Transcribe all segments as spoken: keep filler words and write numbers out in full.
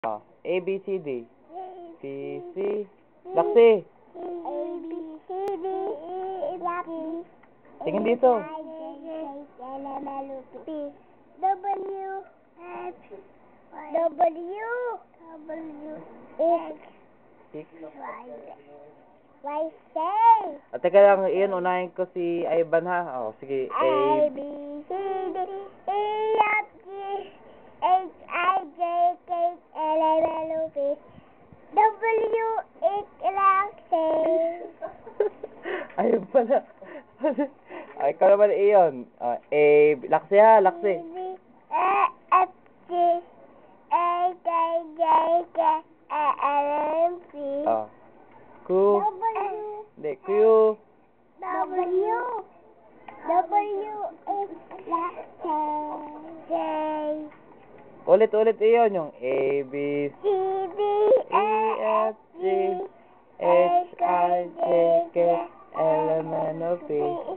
Ah, A, B, C, D. B, C. Laksi. A, B, C, D, E, F, G. Tingin dito. H, I, J, K, L, M, N, O, P, W, X, W, W, X, Six. Y, Y, Z. At teka lang, iyon, unahin ko si Ivan ha. Oh, sige. A, A, B, C, D, E, F, G, H, I, J, K, L, M, N, O, P, W, X, Y, Z. ayun pala. Ay, ikaw naman iyon. Uh, A, laksi ha, laksi. B, E, F, G, H, I, J, K, L, M, N, O, P, Ah. Q. W, Hindi, Q. W, W, X, Y, Z. Ulit, ulit iyon. Yung A, B, C, D, E, F, G, H, I, J, K, L, M, N, O, P,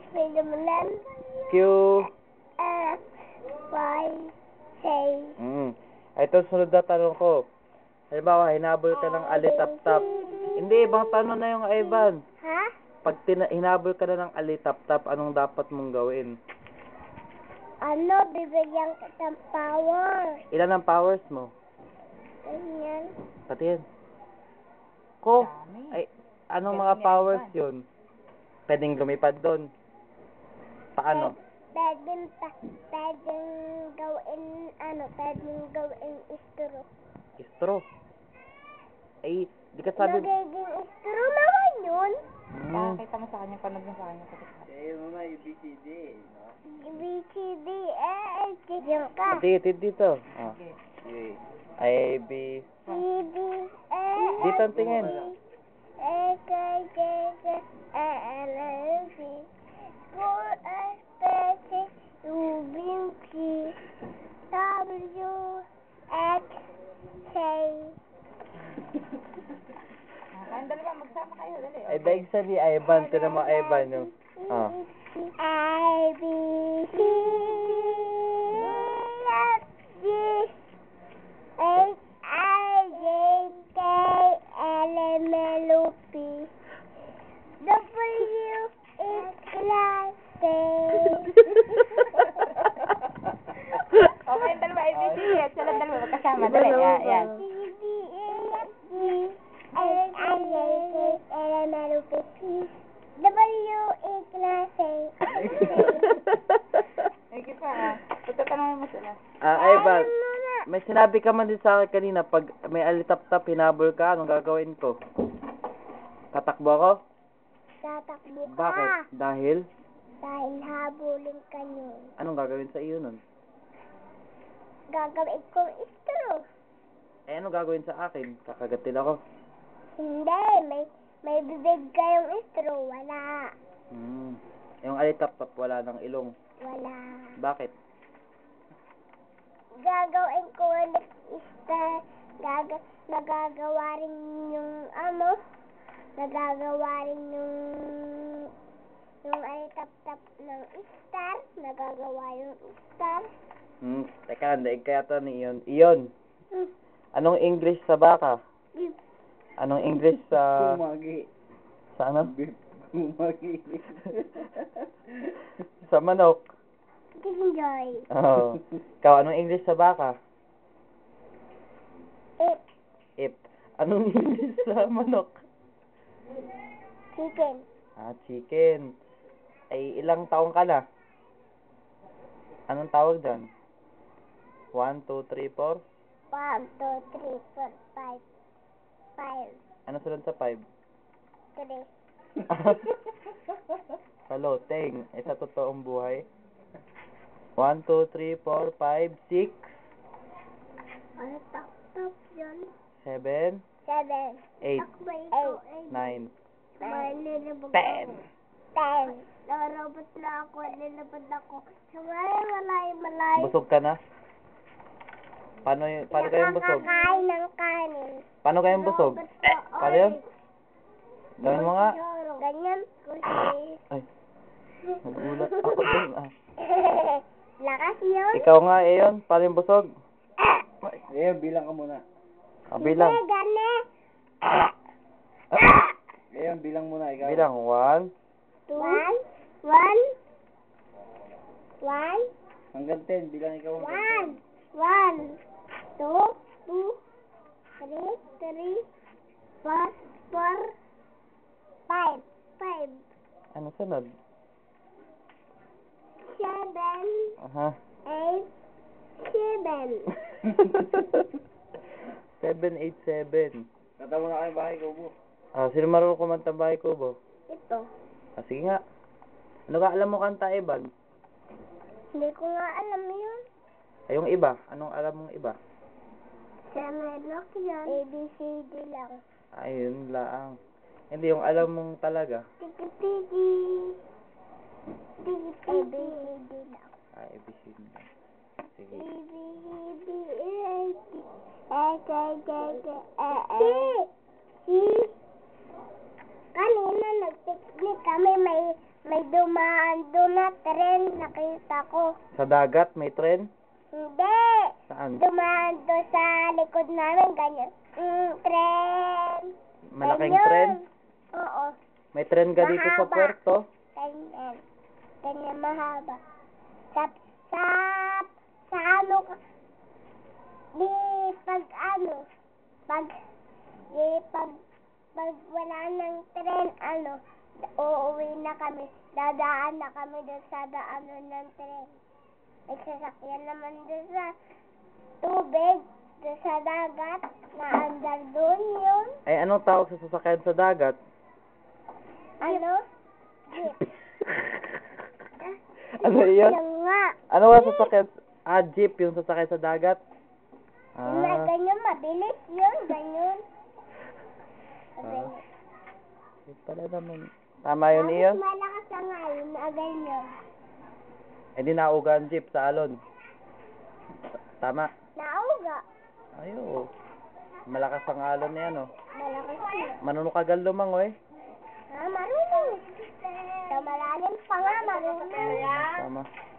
Q. F, Y, Z. Mm. Ito, sunod na tanong ko. Halimbawa, hinabol ka ng alitap-tap. Hindi, ibang tanong na yung Ivan. Ha? Pag tina- hinabol ka na ng alitap-tap, anong dapat mong gawin? Ano, bibigyan kita ng power. Ilan ang powers mo? Ganyan. Pati yan. Ko, ay, anong mga powers yun? Pwedeng lumipad doon. Paano? Pwedeng, pa- pwedeng gawin, ano, pwedeng gawin istro. Istro. Ay, di ka sabi... Nagiging istro naman yun. Hmm. Pakita mo sa kanya, panood mo sa kanya. Eh, mama, A, B, C, D, no? B, C, D, E, F, G. Diyan ka. Pati, pati dito. Ah. Okay. A, B, C, D, E, dito F, ang tingin. A, K, J, K, L, M, P, four, S, P, Q, V, Q, W, X, K. Kayong dalawa, magsama kayo, dali. Ay, daig sa ni Ivan. Tinan mo, Ivan, yung... Ah. I, B, C, D, F, G, H, I, J, K, L, M, N, O, P, W, X, Y, Z. O, kayong dalawa, A B C D, at silang dalawa, magkasama, Iba dali. naman Yan, ba? yan. C, D, E, F, G, H, I, J, K, L, M, N, O, P, W, X, Y, Z. Sige pa, ha. Pagtatanungin mo sila. Ah, Ivan, may sinabi ka man din sa akin kanina, pag may alitap-tap, hinabol ka, anong gagawin ko? Tatakbo ako? Tatakbo ka. Bakit? Dahil? Dahil habulin ka yun. Anong gagawin sa iyo nun? Gagawin kong istro. Eh, anong gagawin sa akin? Kakagatin ako. Hindi, may may bibig kayong istro. Wala. Hmm. Yung alitap-tap, wala ng ilong. Wala. Bakit? Gagawin ko ulit istro. Gaga nagagawa rin yung ano. Nagagawa rin yung yung ay tap-tap ng star. Nagagawa yung star. Hmm. Teka, daig kaya to ni Iyon. Iyon, Hmm. anong English sa baka? Hmm. Anong English sa... Kumagi. Sa ano? Kumagi. Sa manok. Enjoy. Oo. Ikaw, anong English sa baka? It. Ip. Anong English sa manok? Chicken. Ah, chicken. Ay, ilang taong ka na? Anong tawag dyan? One, two, three, four? One, two, three, four, five. Five. Ano sunod sa five? Three. Paloteng. Eh, sa totoong buhay? One, two, three, four, five, six, Ano tak-tak yan? seven, Seven. eight, Eight. nine, Nine. Nilabag ten. ako. Ten. Narobot na ako. Nilabag ako. Sa malayo, malayo, malayo. Busog ka na? Paano, y- paano kayong busog? Nakakakain ng kanin. Paano kayong busog? Robot ko. Paano yun? Gawin mo nga. Ganyan. Kasi. Ay, nagulat ako dun ah. Lakas yun. Ikaw nga, Ayon, paano yung busog? Eh, bilang ka muna. Ah, bilang. Hindi, gani. Ngayon, bilang muna ikaw. Bilang. One. Two. One. One. One. Hanggang ten, bilang ikaw hanggang One. ten. One. Two. Two. Three. Three. Four. Four. Five. Five. Ano sunod? Seven. Aha. Eight. Seven. Seven, eight, seven. Kanta mo na kayo bahay ko, bu. Ah, sino marunong kumanta bahay ko, bo? Ito. Ah, sige nga. Ano ka alam mo kanta, Evan? Hindi ko nga alam yun. Ay, yung iba. Anong alam mong iba? Sa Merlock yun. A, B, C, D lang. Ayun lang. Hindi, yung alam mong talaga. Tiki-tiki. Tiki-tiki. A, B, C, D lang. Ah, A B C D. Sige. A, B, C, D, E, F, G, H, I, J, K, L, M, N, O, P, kanina nag-picnic kami, may may dumaan doon na tren, nakita ko. Sa dagat, may tren? Hindi. Saan? Dumaan doon sa likod namin, ganyan. Mm, tren. Malaking Ganyan. tren? Oo. May tren ka dito sa Mahaba. puerto? Ganyan. Ganyan mahaba. Sa, sa, sa ano ka, di pag ano, pag, di pag, pag wala ng tren, ano, uuwi na kami, dadaan na kami doon sa daanan ng tren. May sasakyan naman doon sa tubig, doon sa dagat, na andar doon yun. Ay, anong tawag sa sasakyan sa dagat? Ano? Jeep. Ano yun? Yung nga. Ano nga sasakyan? Ah, jeep, yung sasakyan sa dagat? Yung na Ah, ganyan, mabilis yun, ganyan. Ah. Hindi pala naman. Tama yun iyon? Tapos malakas ang ngayon na ganyan. Eh di nauga ang jeep sa alon. Tama. Nauga. Ayo. Malakas ang alon niya, no? Malakas yun. Manunong kagal lumangoy. Ah, marunong. Sa malalim pa nga, marunong. Tama.